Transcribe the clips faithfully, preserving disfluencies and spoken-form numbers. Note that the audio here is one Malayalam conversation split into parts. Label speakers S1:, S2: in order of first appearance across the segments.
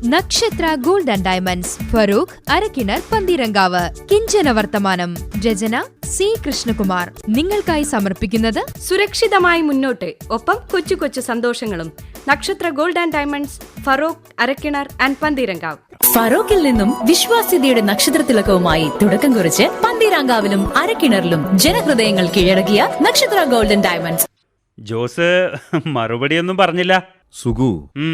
S1: നക്ഷത്ര gold and diamonds, Farook, Arakkinar, Pantheerankavu. Kinchana Varthamanam. രചന സി കൃഷ്ണകുമാർ. നിങ്ങൾക്കായി സമർപ്പിക്കുന്നത്
S2: സുരക്ഷിതമായി മുന്നോട്ട്, ഒപ്പം കൊച്ചു കൊച്ചു സന്തോഷങ്ങളും. Nakshatra gold and diamonds, Farook, Arakkinar and Pantheerankavu.
S3: ഫറോക്കിൽ നിന്നും വിശ്വാസ്യതയുടെ നക്ഷത്രത്തിലക്കവുമായി തുടക്കം കുറിച്ച് പന്തീരാങ്കാവിലും അരക്കിണറിലും ജനഹൃദയങ്ങൾ കീഴടക്കിയ നക്ഷത്ര ഗോൾഡൻ ഡയമണ്ട്സ്.
S4: ജോസ് മറുപടിയൊന്നും പറഞ്ഞില്ല.
S5: സുഗു,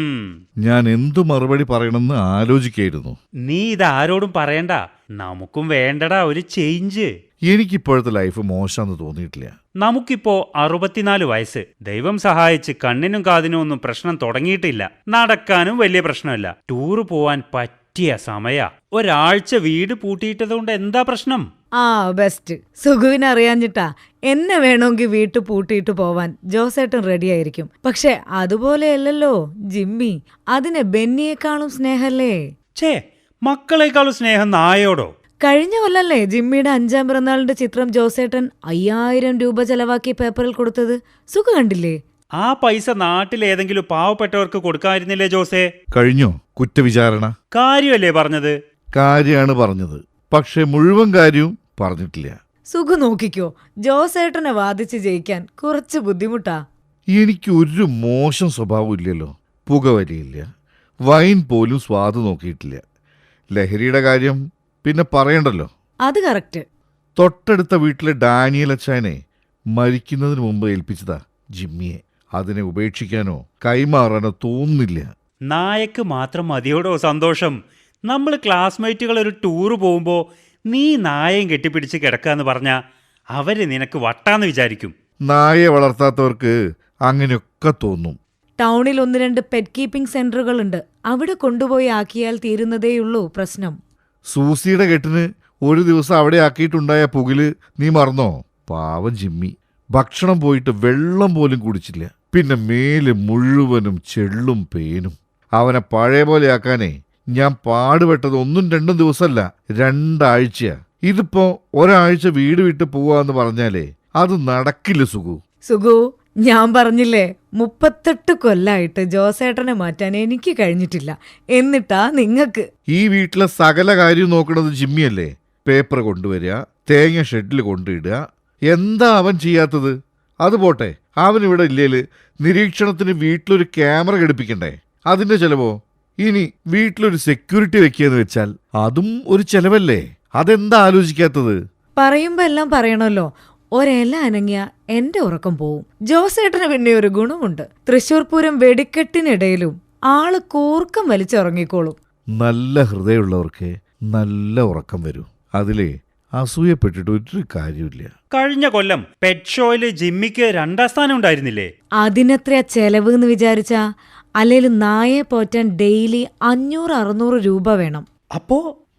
S5: ഞാൻ എന്തു മറുപടി പറയണമെന്ന് ആലോചിക്കായിരുന്നു.
S4: നീ ഇത് ആരോടും പറയണ്ട, നമുക്കും വേണ്ടടാ ഒരു ചേഞ്ച്.
S5: എനിക്കിപ്പോഴത്തെ ലൈഫ് മോശമെന്ന് തോന്നിയിട്ടില്ല.
S4: നമുക്കിപ്പോ അറുപത്തിനാല് വയസ്സ്. ദൈവം സഹായിച്ച് കണ്ണിനും കാതിനും ഒന്നും പ്രശ്നം തുടങ്ങിയിട്ടില്ല. നടക്കാനും വലിയ പ്രശ്നമില്ല. ടൂറ് പോവാൻ പറ്റിയ സമയ. ഒരാഴ്ച വീട് പൂട്ടിയിട്ടതുകൊണ്ട് എന്താ പ്രശ്നം?
S6: ആ ബെസ്റ്റ്. സുഖുവിനെ അറിയാഞ്ഞിട്ടാ. എന്നെ വേണമെങ്കിൽ വീട്ടു പൂട്ടിയിട്ട് പോവാൻ ജോസേട്ടൻ റെഡിയായിരിക്കും. പക്ഷെ അതുപോലെയല്ലല്ലോ ജിമ്മി. അതിനെ ബെന്നിയേക്കാളും സ്നേഹല്ലേ.
S4: ഛേ, മക്കളെക്കാളും സ്നേഹം നായോടോ?
S6: കഴിഞ്ഞ കൊല്ലല്ലേ ജിമ്മിയുടെ അഞ്ചാം പിറന്നാളിന്റെ ചിത്രം ജോസേട്ടൻ അയ്യായിരം രൂപ ചെലവാക്കി പേപ്പറിൽ കൊടുത്തത്? സുഖ കണ്ടില്ലേ?
S4: ആ പൈസ നാട്ടിലേതെങ്കിലും പാവപ്പെട്ടവർക്ക് കൊടുക്കാതിരുന്നില്ലേ ജോസേ?
S5: കഴിഞ്ഞോ കുറ്റവിചാരണ?
S4: കാര്യമല്ലേ പറഞ്ഞത്?
S5: കാര്യമാണ് പറഞ്ഞത്, പക്ഷെ മുഴുവൻ കാര്യവും പറഞ്ഞിട്ടില്ല.
S6: സുഖു നോക്കിക്കോ, ജോസേട്ടനെ വാദിച്ച് ജയിക്കാൻ കുറച്ച് ബുദ്ധിമുട്ടാ.
S5: എനിക്ക് ഒരു മോശം സ്വഭാവം ഇല്ലല്ലോ. പുകവലിയില്ല, വൈൻ പോലും സ്വാദ് നോക്കിയിട്ടില്ല. ലഹരിയുടെ കാര്യം പിന്നെ പറയണ്ടല്ലോ.
S6: അത് കറക്റ്റ്.
S5: തൊട്ടടുത്ത വീട്ടിലെ ഡാനിയൽ അച്ചായനെ മരിക്കുന്നതിന് മുമ്പ് ഏൽപ്പിച്ചതാ ജിമ്മിയെ. അതിനെ ഉപേക്ഷിക്കാനോ കൈമാറാനോ തോന്നുന്നില്ല.
S4: നായക്ക് മാത്രം മതിയോടോ സന്തോഷം? നമ്മൾ ക്ലാസ്മേറ്റുകൾ ഒരു ടൂറ് പോകുമ്പോൾ നീ നായയും കെട്ടിപ്പിടിച്ച് കിടക്കാന്ന് പറഞ്ഞാൽ അവര് നിനക്ക് വട്ടാന്ന് വിചാരിക്കും.
S5: നായയെ വളർത്താത്തവർക്ക് അങ്ങനെയൊക്കെ തോന്നും.
S6: ടൗണിൽ ഒന്ന് രണ്ട് പെറ്റ് കീപ്പിംഗ് സെന്ററുകളുണ്ട്. അവിടെ കൊണ്ടുപോയി ആക്കിയാൽ തീരുന്നതേയുള്ളൂ പ്രശ്നം.
S5: സൂസിയുടെ കെട്ടിന് ഒരു ദിവസം അവിടെ ആക്കിയിട്ടുണ്ടായ പുകില് നീ മറന്നോ? പാവം ജിമ്മി ഭക്ഷണം പോയിട്ട് വെള്ളം പോലും കുടിച്ചില്ല. പിന്നെ മേല് മുഴുവനും ചെള്ളും പേനും. അവനെ പഴയ പോലെ ആക്കാനേ ഞാൻ പാടുപെട്ടത് ഒന്നും രണ്ടും ദിവസമല്ല, രണ്ടാഴ്ചയാ. ഇതിപ്പോ ഒരാഴ്ച വീട് വിട്ട് പോവാന്ന് പറഞ്ഞാലേ അത് നടക്കില്ല സുഗു.
S6: സുഗു, ഞാൻ പറഞ്ഞില്ലേ, മുപ്പത്തെട്ട് കൊല്ലായിട്ട് ജോസേട്ടനെ മാറ്റാൻ എനിക്ക് കഴിഞ്ഞിട്ടില്ല. എന്നിട്ടാ നിങ്ങക്ക്.
S5: ഈ വീട്ടിലെ സകല കാര്യം നോക്കണത് ജിമ്മിയല്ലേ. പേപ്പർ കൊണ്ടുവരിക, തേങ്ങ ഷെഡിൽ കൊണ്ടിടുക. എന്താ അവൻ ചെയ്യാത്തത്? അത് പോട്ടെ, അവനിവിടെ ഇല്ലേല് നിരീക്ഷണത്തിന് വീട്ടിലൊരു ക്യാമറ ഘടിപ്പിക്കണ്ടേ? അതിന്റെ ചെലവോ? ഇനി വീട്ടിലൊരു സെക്യൂരിറ്റി വെക്കുകയെന്ന് വെച്ചാൽ അതും ഒരു ചെലവല്ലേ? അതെന്താ ആലോചിക്കാത്തത്?
S6: പറയുമ്പോ എല്ലാം പറയണല്ലോ. ഒരെല അനങ്ങിയ എന്റെ ഉറക്കം പോവും. ജോസേട്ടന് പിന്നെ ഒരു ഗുണമുണ്ട്. തൃശൂർ പൂരം വെടിക്കെട്ടിനിടയിലും ആള് കൂർക്കം വലിച്ചുറങ്ങിക്കോളും.
S5: നല്ല ഹൃദയമുള്ളവർക്ക് നല്ല ഉറക്കം വരും. അതിലേ അസൂയപ്പെട്ടിട്ട് ഒരു കാര്യമില്ല.
S4: കഴിഞ്ഞ കൊല്ലം പെറ്റ് ഷോയില് ജിമ്മിക്ക് രണ്ടാം സ്ഥാനം ഉണ്ടായിരുന്നില്ലേ?
S6: അതിനെത്രയാ ചെലവ് എന്ന് വിചാരിച്ചാ? അല്ലേലും നായെ പോറ്റാൻ ഡെയിലി അഞ്ഞൂറ് അറുന്നൂറ് രൂപ വേണം.
S4: അപ്പോ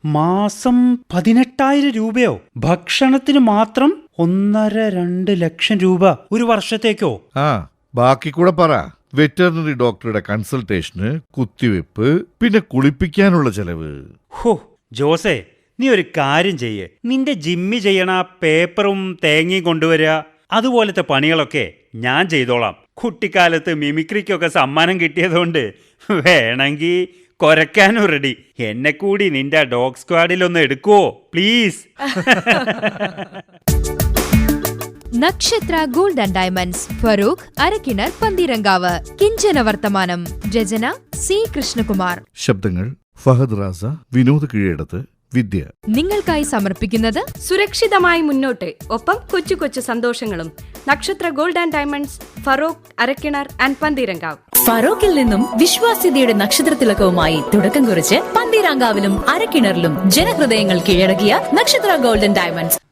S4: മാസം പതിനെട്ടായിരം രൂപയോ? ഭക്ഷണത്തിന് മാത്രം ഒന്നര രണ്ട് ലക്ഷം രൂപ ഒരു വർഷത്തേക്കോ?
S5: ആ, ബാക്കി കൂടെ പറ. വെറ്ററിനറി ഡോക്ടറുടെ കൺസൾട്ടേഷന്, കുത്തിവെപ്പ്, പിന്നെ കുളിപ്പിക്കാനുള്ള ചെലവ്.
S4: ഹോ ജോസേ, നീ ഒരു കാര്യം ചെയ്യേ. നിന്റെ ജിമ്മി ചെയ്യണ പേപ്പറും തേങ്ങയും കൊണ്ടുവരിക, അതുപോലത്തെ പണികളൊക്കെ ഞാൻ ചെയ്തോളാം. കുട്ടിക്കാലത്ത് മിമിക്രിക്കൊക്കെ സമ്മാനം കിട്ടിയതുകൊണ്ട് വേണമെങ്കിൽ കൊരക്കാനും റെഡി. എന്നെ കൂടി നിന്റെ ഡോഗ് സ്ക്വാഡിലൊന്ന് എടുക്കുവോ please?
S1: Nakshatra gold and diamonds, Farook, Arakkinar, Pantheerankavu. Kinchana Varthamanam. രചന സി കൃഷ്ണകുമാർ.
S5: ശബ്ദങ്ങൾ ഫഹദ് റാസ, വിനോദ് കീഴടത്ത്, വിദ്യ.
S1: നിങ്ങൾക്കായി സമർപ്പിക്കുന്നത്
S2: സുരക്ഷിതമായി മുന്നോട്ട്, ഒപ്പം കൊച്ചു കൊച്ചു സന്തോഷങ്ങളും. Nakshatra gold and diamonds, Farook, Arakkinar and Pantheerankavu.
S3: ഫറോക്കിൽ നിന്നും വിശ്വാസ്യതയുടെ നക്ഷത്രത്തിലക്കവുമായി തുടക്കം കുറിച്ച് പന്തീരാങ്കാവിലും അരക്കിണറിലും ജനഹൃദയങ്ങൾ കീഴടക്കിയ നക്ഷത്ര ഗോൾഡൻ ഡയമണ്ട്സ്.